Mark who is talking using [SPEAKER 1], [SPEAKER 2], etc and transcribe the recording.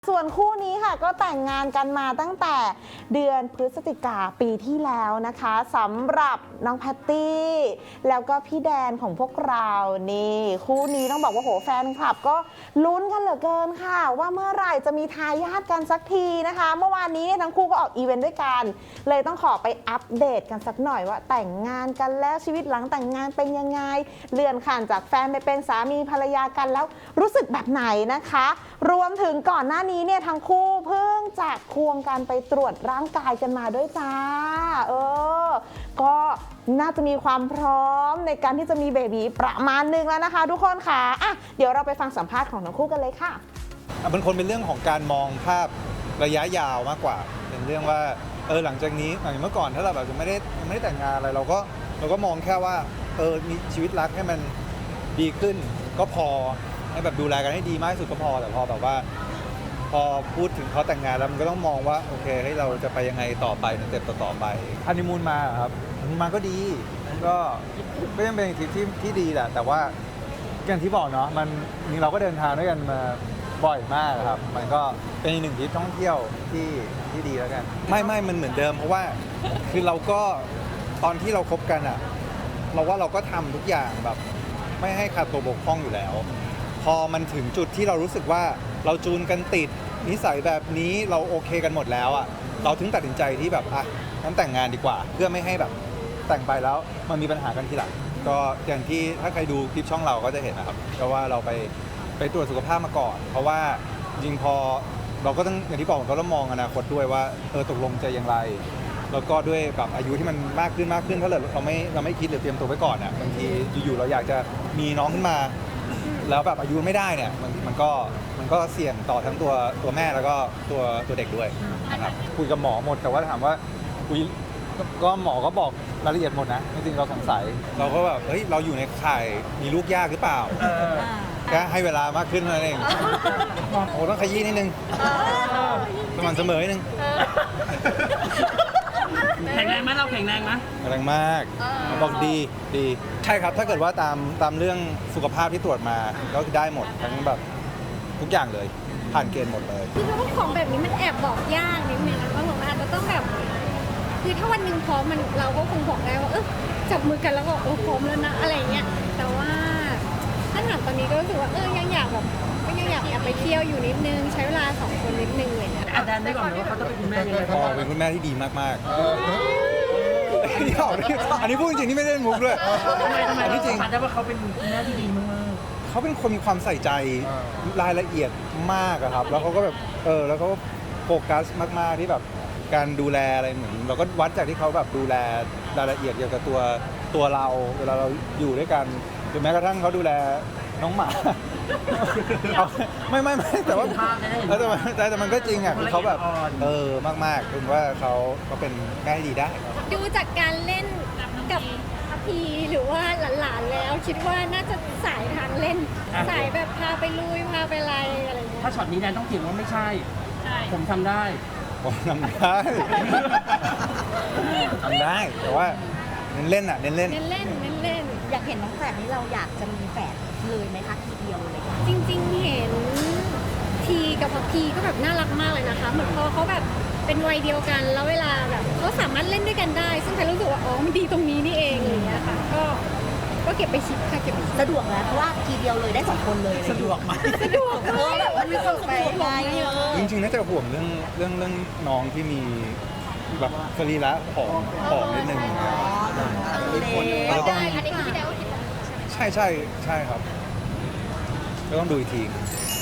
[SPEAKER 1] ส่วนคู่นี้ค่ะก็แต่งงานกันมาตั้งแต่เดือนพฤศจิกาปีที่แล้วนะคะสำหรับน้องแพตตี้แล้วก็พี่แดนของพวกเรานี่คู่นี้ต้องบอกว่าโหแฟนคลับก็ลุ้นกันเหลือเกินค่ะว่าเมื่อไหร่จะมีทายาทกันสักทีนะคะเมื่อวานนี้ทั้งคู่ก็ออกอีเวนต์ด้วยกันเลยต้องขอไปอัปเดตกันสักหน่อยว่าแต่งงานกันแล้วชีวิตหลังแต่งงานเป็นยังไงเลื่อนขั้นจากแฟนไปเป็นสามีภรรยากันแล้วรู้สึกแบบไหนนะคะรวมถึงก่อนหน้านี้เนี่ยทั้งคู่เพิ่งจะควงกันไปตรวจร่างกายกันมาด้วยจ้าก็น่าจะมีความพร้อมในการที่จะมีเบบีประมาณนึงแล้วนะคะทุกคนค่ะเดี๋ยวเราไปฟังสัมภาษณ์ของทั้งคู่กันเลยค่ะ
[SPEAKER 2] มันเป็นเรื่องของการมองภาพระยะยาวมากกว่าเป็นเรื่องว่าหลังจากนี้อย่างเมื่อก่อนถ้าเราแบบจะไม่ได้แต่งงานอะไรเราก็มองแค่ว่ามีชีวิตรักให้มันดีขึ้นก็พอให้แบบดูแลกันให้ดีมากที่สุดก็พอแต่พอแบบว่าพอพูดถึงเขาแต่งงานแล้วมันก็ต้องมองว่าโอเคให้เราจะไปยังไงต่อไปในสเต็ปต่อไปฮันนีมูนมาครับฮันนีมูนมาก็ดีก็ยังเป็นทริปที่ดีแหละแต่ว่าอย่างที่บอกเนาะมันเราก็เดินทางด้วยกันมาบ่อยมากครับมันก็เป็นอีกหนึ่งทริปท่องเที่ยวที่ดีแล้วกันไม่มันเหมือนเดิมเพราะว่าคือเราก็ตอนที่เราคบกันเราว่าเราก็ทำทุกอย่างแบบไม่ให้ขาดตัวบกพร่องอยู่แล้วพอมันถึงจุดที่เรารู้สึกว่าเราจูนกันติดนิสัยแบบนี้เราโอเคกันหมดแล้วเราถึงตัดสินใจที่แบบงั้นแต่งงานดีกว่าเพื่อไม่ให้แบบแต่งไปแล้วมันมีปัญหากันทีหลังก็อย่างที่ถ้าใครดูคลิปช่องเราก็จะเห็นนะครับเพราะว่าเราไปตรวจสุขภาพมาก่อนเพราะว่าจริงพอเราก็ต้องอย่างที่บอกเราก็ต้องมองอนาคตด้วยว่าตกลงจะอย่างไรแล้วก็ด้วยแบบอายุที่มันมากขึ้นถ้าเราไม่คิดหรือเตรียมตัวไว้ก่อนบางทีอยู่ๆเราอยากจะมีน้องขึ้นมาแล้วแบบอายุไม่ได้เนี่ยมันก็เสี่ยงต่อทั้งตัวแม่แล้วก็ตัวเด็กด้วยนะครับคุยกับหมอหมดแต่ว่าถามว่าก็หมอก็บอกรายละเอียดหมดนะจริงๆเราสงสัยเราก็แบบเราอยู่ในข่ายมีลูกยากหรือเปล่าแค่ให้เวลามากขึ้นเท่านั้นเองโอ้ต้องขยี้นิดนึงสม่ำเสมอนิดนึง
[SPEAKER 3] แข็งแรงไหมเราแข็งแรงไหม
[SPEAKER 2] แรงมากบอกดีใช่ครับถ้าเกิดว่าตามเรื่องสุขภาพที่ตรวจมาก็ได้หมดทั้งแบบทุกอย่างเลยผ่านเกณฑ์หมดเลย
[SPEAKER 4] คือพวกของแบบนี้มันแอบบอกยากนิดนึงนะว่าผมอาจจะต้องแบบคือถ้าวันหนึ่งพร้อมเราก็คงบอกได้ว่าจับมือกันแล้วก็พร้อมแล้วนะอะไรเงี้ยแต่ว่าถ้าถามตอนนี้ก็รู้สึกว่ายังอยากแบบก็ยังอยากไปเที่ยวอยู่นิดนึงใช้เวลา2 คนนิดนึงเลยนะ
[SPEAKER 3] อาจารย์ได้ก่อนเลยว่าเขาต้องเป็นคุณแม่ยังไง
[SPEAKER 2] เป็นคุณแม่ที่ดีมากๆอันนี้พูดจริงๆที่ไม่ได้มุกด้วย
[SPEAKER 3] ทำไมที่จริงได้ว่าเขาเป็นคุณแม่ที่ดีมาก
[SPEAKER 2] เขาเป็นคนมีความใส่ใจรายละเอียดมากครับแล้วเขาก็แบบแล้วก็โฟกัสมากๆที่แบบการดูแลอะไรเหมือนเราก็วัดจากที่เขาแบบดูแลรายละเอียดเกี่ยวกับตัวเราเวลาเราอยู่ด้วยกันหรือแม้กระทั่งเขาดูแลน้องหมาไม่แต่ว่าแต่มันก็จริงคือเขาแบบมากๆคือว่าเขาเป็นแม่ที่ดีได้
[SPEAKER 4] ดูจากการเล่นกับพีหรือว่าหลานๆแล้วคิดว่าน่าจะสายทางเล่นสายแบบพาไปลุยพาไปอะไรเงี้ย
[SPEAKER 3] ถ้าช็อตนี้แดนต้องเถียงว่าไม่ใช่ผมทำได้
[SPEAKER 2] แต่ว่าเน้นเล่น
[SPEAKER 5] อยากเห็นน้องแฝดนี้เราอยากจะมีแฝดเลยไหมคะทีเดียวเลย
[SPEAKER 4] จริงๆเห็นทีกับพีก็แบบน่ารักมากเลยนะคะเหมือนพอเขาแบบเป็นวัยเดียวกันแล้วเวลาแบบเขาสามารถเล่นด้วยกันได้ซึ่งใครรู้สึกว่ามันดีตรงนี้นี่เองอย่างเงี้ยค่ะก็เก็บไปคิดค่ะเก็บไป
[SPEAKER 5] สะดวกนะเพราะว่าทีเดียวเลยได้2 คนเลย
[SPEAKER 3] สะดวกไหม
[SPEAKER 4] สะดวก
[SPEAKER 5] แบบมันมีความสะดวกไง
[SPEAKER 2] จริงๆน่าจะห่วงเรื่องน้องที่มีแบบสรีระผอมนิดนึง
[SPEAKER 4] ได้อันนี้คือพี่แดวคิด
[SPEAKER 2] ใช่ครับก็ต้องดูอีกที